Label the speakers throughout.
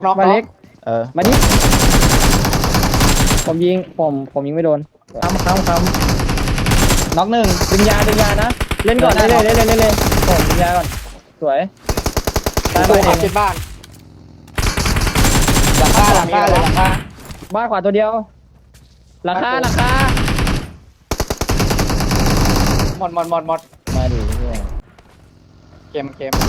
Speaker 1: น็อก
Speaker 2: มาเล็ก มาดิผมยิงไม่โดนค้ำน็อกหนึ่งดึงยานะเล่นก่อนเล่นผมดึงยาก่อนสวยตายไป
Speaker 1: ขวาคิดบ้านหลังคาเลยหลังคา
Speaker 2: บ้านขวาตัวเดียวหลังคา
Speaker 1: หมด
Speaker 2: มาดิเนี่ย
Speaker 1: เกม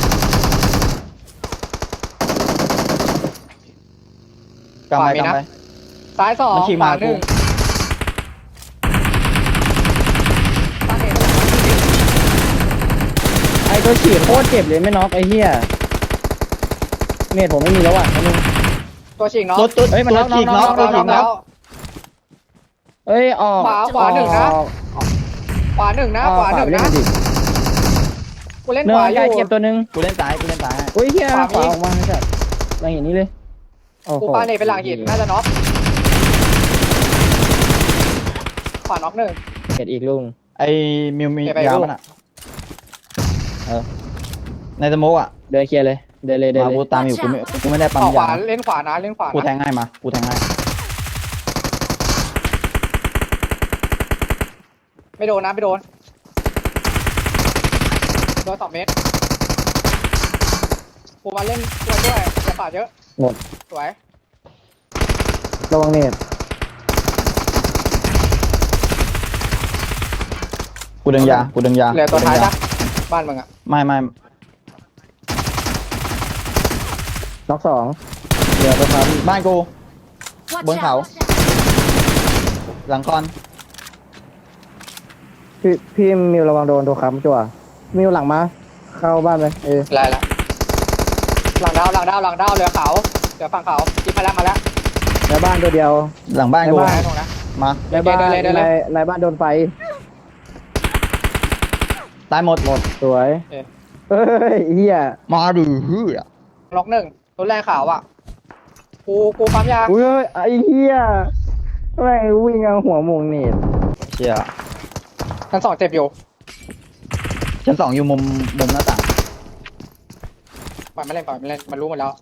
Speaker 3: กำไป
Speaker 1: ซ้ายสอง
Speaker 3: มันขี่
Speaker 1: ขวา
Speaker 3: มา
Speaker 1: หนึ่งตั้งเอง
Speaker 2: ไอ้ตัวฉีดโคตรเจ็บเลยไม่น็อกไอ้เหี้ยเมทผมไม่มีแล้วอ่ะนึง
Speaker 1: ตัวฉีกน็อก
Speaker 3: ตัว
Speaker 2: เฮ้ยมันน็อก
Speaker 3: ฉีกน็อก
Speaker 2: น็อก
Speaker 3: ตัวฉีกน็อก
Speaker 2: เอ้ยออก
Speaker 1: ขวาหนึ่งนะ ขวาหนึ่งนะ กูเล่น
Speaker 2: เนื้
Speaker 1: ขวาอ
Speaker 2: ใหญ่
Speaker 1: ยู่
Speaker 2: เจ็บตัวนึง
Speaker 3: กูเล่นซ้าย
Speaker 2: อุ้ยเหี้ย
Speaker 1: ขวามี
Speaker 2: ขวาออกมาไม่ใช่หลังหินนี้เลยโอ้โห
Speaker 1: กูปาเนตเป็นหลังหินน่าจะน็อกขวาน็อกหนึ่ง
Speaker 2: เห็ดอีกลุง
Speaker 3: ไอ้มิวมี
Speaker 1: ไป
Speaker 3: ยา
Speaker 1: ลูก
Speaker 3: มันอ่ะในสโมกอ่ะ
Speaker 2: เดินเคลียร์เลยเดินเลย
Speaker 3: มากูตามอยู่กูไม่ได้ปั๊ม
Speaker 1: ขวาย
Speaker 3: า
Speaker 1: เล่นขวานะ
Speaker 3: กูแทงให้มากูแทงให้
Speaker 1: ไม่โดนนะไม่โดน2 เมตรกูมาเล่นตัวด้วยอย่าปาดเยอะ
Speaker 2: หมด
Speaker 1: สวย
Speaker 2: ระวังเนต
Speaker 3: กูดึงยา
Speaker 1: เหลือตัวท้ายปะบ้านมึงอ่ะ
Speaker 3: ไม่
Speaker 2: น็อกสองเหลือตัวครับ
Speaker 3: บ้านกู
Speaker 4: Watch
Speaker 3: บนเขา
Speaker 4: out!
Speaker 3: หลังคอน
Speaker 2: พี่มิวระวังโดนตัวค้ำจั่วมิวหลังมาเข้าบ้านไป
Speaker 1: ไรละหลังดาวเหลือเขาเหลือฝั่งเขากินมาแล้ว
Speaker 2: ในบ้านตัวเดียว
Speaker 3: หลังบ้านกู
Speaker 1: ไม่ตรงนะ
Speaker 3: มา
Speaker 2: ในบ้าน
Speaker 1: เดินเลย
Speaker 2: ในบ้านโดนไฟ
Speaker 3: ตายหมด
Speaker 2: สวยเฮ้ยเฮีย
Speaker 3: มาดูฮือ
Speaker 1: ล็อกหนึ่งตัวแรกขาวอ่ะกูปั๊มยา
Speaker 2: อุ้ยไอ้เฮียแม่งวิ่งเอาหัวมงเนต
Speaker 3: เชี่ย
Speaker 1: ชั้น 2เจ็บอยู่
Speaker 3: ชั้น 2อยู่มุมหน้าต่าง
Speaker 1: ปล่อยไม่เล่นมันรู้หมดแล้ว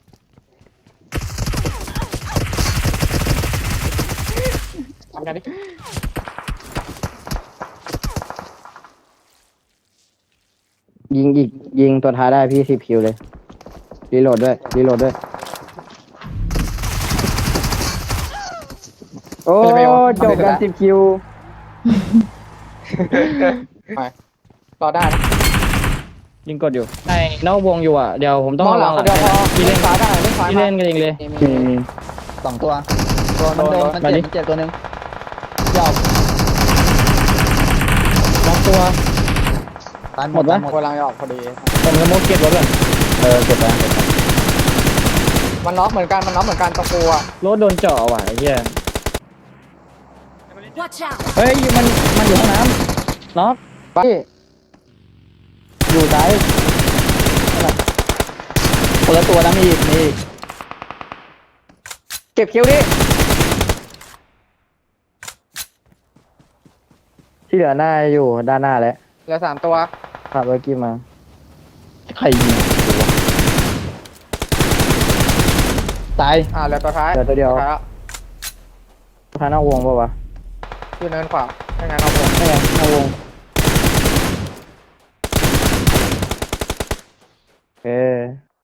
Speaker 1: ทำกันดิ
Speaker 2: ยิงตัวท้ายได้พี่10 คิวเลยรีโหลดด้วยโอ้จบกัน10 คิว
Speaker 1: ไปรอได้นะ
Speaker 2: ยิงกดอยู่ในนอกวงอยู่อ่ะเดี๋ยวผมต้อง
Speaker 1: มองหลัง
Speaker 2: หลัง
Speaker 1: เดียวพอ
Speaker 2: พี่
Speaker 1: เล่
Speaker 2: เล่
Speaker 1: น
Speaker 2: น
Speaker 1: ซ้ายได้เล่นซ้าย
Speaker 2: พี่เล่นกันเองเลย
Speaker 3: 2 ตัวมันโดนมัน
Speaker 2: มาดิ
Speaker 3: เจ็บตัวนึงยาว
Speaker 2: ล็อกตัว
Speaker 3: ตาย
Speaker 2: หมดปะ
Speaker 1: กำลังจะออกพอดี
Speaker 2: ผมจะมุดเก็บรถก่อน
Speaker 3: เก็บแล้ว
Speaker 1: มันน็อกเหมือนกันตะปูอ่ะ
Speaker 2: รถโดนเจาะว่ะไอ้เหี้ย
Speaker 4: Watch out!
Speaker 2: เฮ้ยมันอยู่ห้องน้ำน็อกพี่อยู่ซ้าย
Speaker 3: คนละตัวนะมีอีก
Speaker 1: เก็บคิวดิ
Speaker 2: ที่เหลือหน้าอยู่ด้านหน้าแล้ว
Speaker 1: เหลือ3ตัว
Speaker 2: ขับรถกี้มา
Speaker 3: ใครยิงตาย
Speaker 1: เหลือตัวท้าย
Speaker 2: เดี๋ยวตัวเดียว
Speaker 1: ท้ายแล้ว
Speaker 2: ทางนอกวงป่าวะ
Speaker 1: อยู่เนินขวาไม่งั้นเอาผม
Speaker 2: ไม่ไงนอกวงโอเค